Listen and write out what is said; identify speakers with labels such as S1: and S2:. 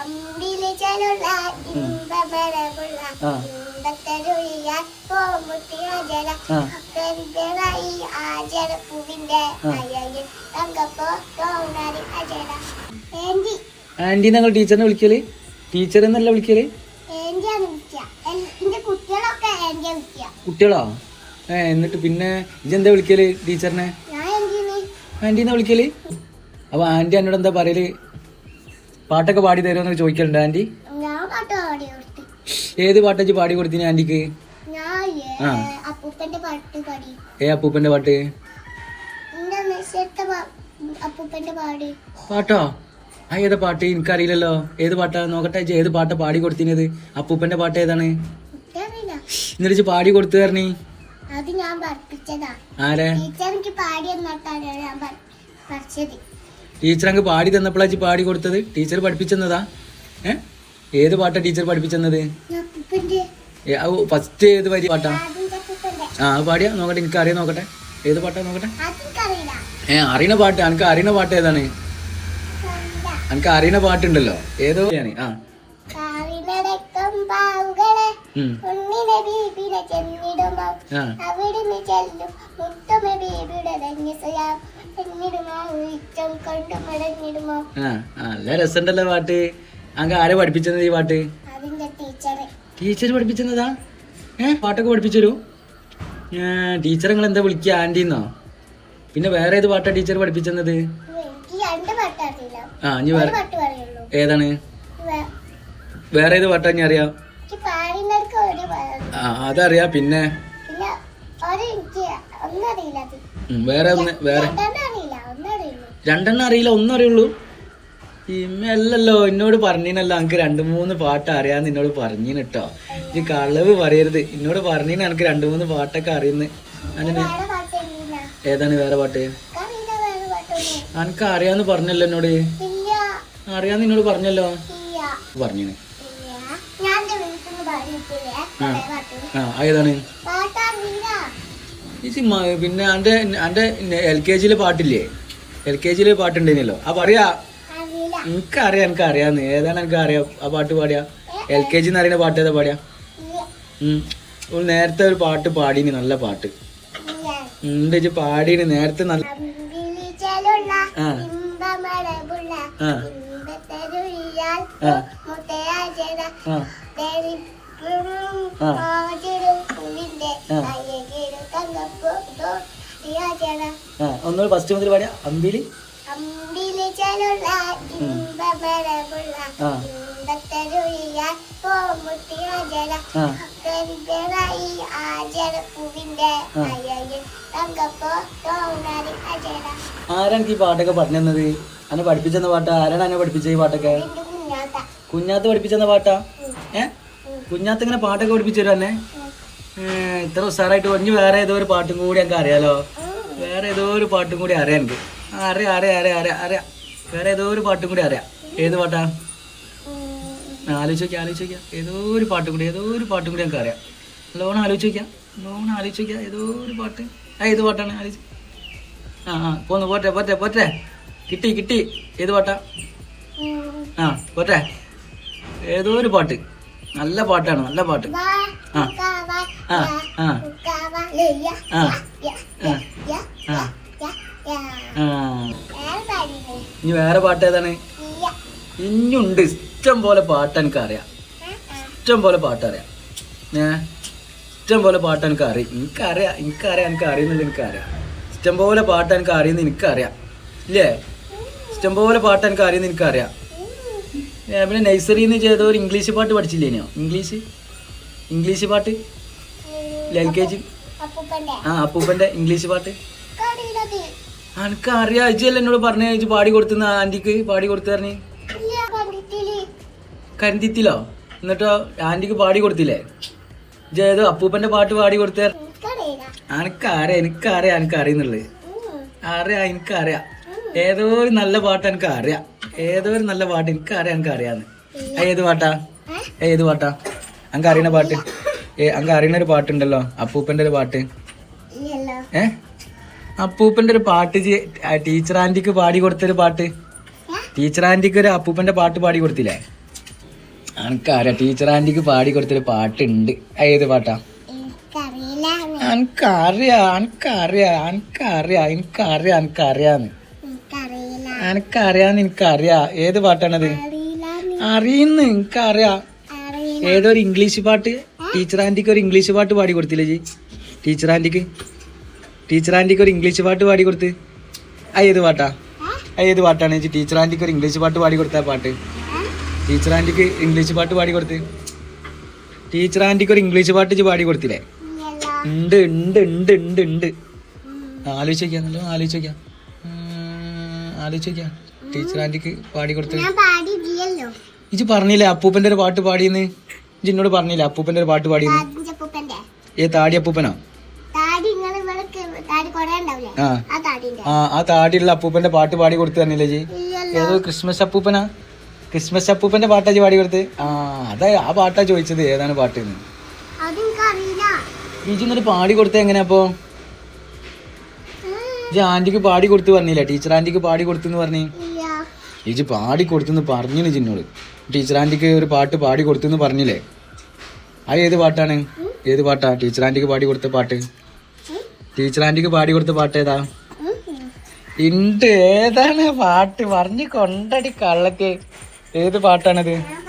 S1: Anti ഞങ്ങൾ ടീച്ചറിനെ വിളിക്കല്? Teacher എന്നല്ല വിളിക്കല്? കുട്ടികളോ? എന്നിട്ട് പിന്നെ ഇജെന്താ വിളിക്കല് ടീച്ചറിനെ? ആന്റിന്നാ വിളിക്കല്? അപ്പൊ ആന്റി എന്നോട് എന്താ പറയല്? പാട്ടൊക്കെ പാടി തരുമെന്നൊക്കെ ചോദിക്കലുണ്ട് ആന്റി? ഏത് പാട്ടച്ച് പാടി കൊടുത്തിന് ആന്റിക്ക്? അപ്പൂപ്പന്റെ പാട്ട്? പാട്ടോ? ഏതാ പാട്ട്? എനിക്കറിയില്ലല്ലോ. ഏത് പാട്ടാ? നോക്കട്ടെ. ഏത് പാട്ടാ പാടി കൊടുത്തിനത്? അപ്പൂപ്പന്റെ പാട്ട് ഏതാണ്? എന്നിട്ട് പാടി കൊടുത്തു തരണി. ആരെ? ടീച്ചർ അങ്ങ് പാടി തന്നപ്പോഴാ പാടി കൊടുത്തത്? ടീച്ചർ പഠിപ്പിച്ചെന്നതാ? ഏത് പാട്ടാ ടീച്ചർ പഠിപ്പിച്ചെന്നത്? ഫസ്റ്റ് ഏത് വരി പാട്ടാ? പാടിയാ നോക്കട്ടെ. എനിക്ക് അറിയാൻ നോക്കട്ടെ. ഏത് പാട്ടാ നോക്കട്ടെ. അറിയണ പാട്ട്. എനിക്ക് അറിയണ പാട്ട് ഏതാണ്? എനിക്ക് അറിയണ പാട്ടുണ്ടല്ലോ. ഏതോ നല്ല രസമുണ്ടല്ലോ പാട്ട്. അങ്ങ് ആരെ പഠിപ്പിച്ചത് ഈ പാട്ട്? ടീച്ചർ പഠിപ്പിച്ചതാ? പാട്ടൊക്കെ പഠിപ്പിച്ചു തരൂ? ടീച്ചർ നിങ്ങൾ എന്താ വിളിക്കുക? ആന്റിന്നോ? പിന്നെ വേറെ ഏത് പാട്ടാ ടീച്ചർ പഠിപ്പിച്ചത്? ഇനി വേറെ ഏതാണ്? വേറെ ഏത് പാട്ടാ ഇനി അറിയാം? അതറിയാ. പിന്നെ വേറെ രണ്ടെണ്ണം അറിയില്ല, ഒന്നും അറിയുള്ളൂ. ഇമ്മല്ലോ എന്നോട് പറഞ്ഞിനല്ലോ എനിക്ക് 2-3 പാട്ട് അറിയാന്ന് എന്നോട് പറഞ്ഞിന് കേട്ടോ. ഈ കളവ് പറയരുത്. എന്നോട് പറഞ്ഞിന് എനിക്ക് 2-3 പാട്ടൊക്കെ അറിയുന്നു. അങ്ങനെ ഏതാണ് വേറെ പാട്ട്? എനിക്ക് അറിയാന്ന് പറഞ്ഞല്ലോ എന്നോട്. അറിയാന്ന് എന്നോട് പറഞ്ഞല്ലോ. പറഞ്ഞിന്. ഏതാണ്? പിന്നെ എന്റെ LKG പാട്ടില്ലേ? LKG പാട്ടുണ്ടായിരുന്നല്ലോ. പറയാ. എനിക്കറിയാന്ന്. ഏതാണ് എനിക്ക് അറിയാം ആ പാട്ട് പാടിയാ? LKG അറിയുന്ന പാട്ട് ഏതാ പാടിയാ? നേരത്തെ ഒരു പാട്ട് പാടീന്, നല്ല പാട്ട് ഉണ്ട് പാടീന് നേരത്തെ. നല്ല ഒന്നുകൂടി ഫസ്റ്റ് മുതൽ പാടിയാ. അമ്പിളി ആരാണ് ഈ പാട്ടൊക്കെ പറഞ്ഞു തന്നത്? അന്നെ പഠിപ്പിച്ചെന്ന പാട്ടാ? ആരാണ് എന്നെ പഠിപ്പിച്ച ഈ പാട്ടൊക്കെ? കുഞ്ഞാത്ത് പഠിപ്പിച്ചെന്ന പാട്ടാ? കുഞ്ഞാത്ത് ഇങ്ങനെ പാട്ടൊക്കെ പഠിപ്പിച്ചു തരും എന്നെ? ഇത്ര ഉസാറായിട്ട് പറഞ്ഞു. വേറെ ഏതോ ഒരു പാട്ടും കൂടി എനിക്ക് അറിയാലോ. വേറെ ഏതോ ഒരു പാട്ടും കൂടി അറിയാം എനിക്ക്. അറിയാം. വേറെ ഏതോ ഒരു പാട്ടും കൂടി അറിയാം. ഏത് പാട്ടാ? ആലോചിക്കാം. ഏതോ ഒരു പാട്ടും കൂടി എനിക്ക് അറിയാം. ലോൺ ആലോചിക്കാം. ഏതോ ഒരു പാട്ട്. ഏത് പാട്ടാണ്? പോന്നു. പോട്ടെ. കിട്ടി. ഏത് പാട്ടാ? പോട്ടെ. ഏതോ ഒരു പാട്ട്. നല്ല പാട്ടാണ്. നല്ല പാട്ട്. ഇനി വേറെ പാട്ട് ഏതാണ്? ഇനിയുണ്ട് ഇഷ്ടം പോലെ പാട്ട് എനിക്കറിയാം. ഇഷ്ടം പോലെ പാട്ട് എനിക്കറിയാം. എനിക്കറിയുന്നില്ല. ഇഷ്ടം പോലെ പാട്ട് എനിക്ക് അറിയുന്ന എനിക്കറിയാം. ഇല്ലേ? ഇഷ്ടം പോലെ പാട്ട് എനിക്ക് അറിയുന്ന എനിക്കറിയാം. പിന്നെ നഴ്സറിന്ന് ചെയ്ത ഒരു ഇംഗ്ലീഷ് പാട്ട് പഠിച്ചില്ലേനോ? ഇംഗ്ലീഷ് പാട്ട് LKG. അപ്പൂപ്പന്റെ ഇംഗ്ലീഷ് പാട്ട് എനിക്കറിയാം. ഇജല്ല എന്നോട് പറഞ്ഞ പാടി കൊടുത്തുന്ന ആന്റിക്ക് പാടി കൊടുത്തു പറഞ്ഞ്. കരിന്തിത്തിലോ? എന്നിട്ടോ ആന്റിക്ക് പാടി കൊടുത്തില്ലേ? ഇജേതോ അപ്പൂപ്പന്റെ പാട്ട് പാടി കൊടുത്ത? എനിക്കറിയുന്നുള്ളത്. എനിക്കറിയാം. ഏതോ ഒരു നല്ല പാട്ട് എനിക്കറിയാം. എനിക്കറിയാന്ന്. ഏത് പാട്ടാ? അങ്ങ് അറിയണ പാട്ട്? അങ്ങ് അറിയണ ഒരു പാട്ടുണ്ടല്ലോ, അപ്പൂപ്പന്റെ ഒരു പാട്ട്. അപ്പൂപ്പന്റെ ഒരു പാട്ട് ടീച്ചർ ആന്റിക്ക് പാടി കൊടുത്തൊരു പാട്ട്. ടീച്ചർ ആന്റിക്ക് ഒരു അപ്പൂപ്പന്റെ പാട്ട് പാടി കൊടുത്തില്ലേ? എനിക്കറിയാം ടീച്ചർ ആന്റിക്ക് പാടി കൊടുത്തൊരു പാട്ടുണ്ട്. ഏത് പാട്ടാ? എനിക്കറിയാം. ഏത് പാട്ടാണത്? അറിയുന്നു, എനിക്കറിയാം. ഏതൊരു ഇംഗ്ലീഷ് പാട്ട് ടീച്ചർ ആന്റിക്ക് ഒരു ഇംഗ്ലീഷ് പാട്ട് പാടി കൊടുത്തില്ലേ ജി? ടീച്ചർ ആന്റിക്ക് ഒരു ഇംഗ്ലീഷ് പാട്ട് പാടി കൊടുത്ത്. ഏത് പാട്ടാ? ഏത് പാട്ടാണ് ജി ടീച്ചർ ആന്റിക്ക് ഒരു ഇംഗ്ലീഷ് പാട്ട് പാടി കൊടുത്ത പാട്ട്? ടീച്ചർ ആന്റിക്ക് ഇംഗ്ലീഷ് പാട്ട് പാടി കൊടുത്ത്. ടീച്ചർ ആന്റിക്ക് ഒരു ഇംഗ്ലീഷ് പാട്ട് പാടി കൊടുത്തില്ലേ? ഉണ്ട് ഉണ്ട് ഉണ്ട് ഉണ്ട് ഉണ്ട്. ആലോചിക്കാം ടീച്ചർ ആന്റിക്ക് പാടി കൊടുത്ത്. ഇജ് പറഞ്ഞില്ലേ അപ്പൂപ്പന്റെ ഒരു പാട്ട് പാടിയെന്ന്? ഇജ് എന്നോട് പറഞ്ഞില്ലേ അപ്പൂപ്പന്റെ ഒരു പാട്ട് പാടിയെന്ന്? താടി അപ്പൂപ്പനോ? ആ താടിയുള്ള അപ്പൂപ്പന്റെ പാട്ട് പാടി കൊടുത്തു തന്നില്ലേ ജി? ഏതോ ക്രിസ്മസ് അപ്പൂപ്പന്റെ പാട്ടാ ജി പാടി കൊടുത്ത്. അതാ ആ പാട്ടാ ചോദിച്ചത് ഏതാണ് പാട്ട് എന്ന്. ഇജി എന്നിട്ട് പാടി കൊടുത്ത എങ്ങനെയാ അപ്പൊ? ഇജി ആന്റിക്ക് പാടി കൊടുത്തു പറഞ്ഞില്ലേ? ടീച്ചർ ആന്റിക്ക് പാടി കൊടുത്തെന്ന് പറഞ്ഞു. ഇജി പാടി കൊടുത്തെന്ന് പറഞ്ഞു ജിന്നോട്. ടീച്ചർ ആന്റിക്ക് ഒരു പാട്ട് പാടി കൊടുത്തെന്ന് പറഞ്ഞില്ലേ? അത് ഏത് പാട്ടാണ്? ഏത് പാട്ടാ ടീച്ചർ ആന്റിക്ക് പാടി കൊടുത്ത പാട്ട്? ടീച്ചർ ആന്റിക്ക് പാടി കൊടുത്ത പാട്ട് ഏതാ? ഉണ്ട്. ഏതാണ് പാട്ട്? പറഞ്ഞു കൊണ്ടടി കള്ളക്ക്. ഏത് പാട്ടാണത്?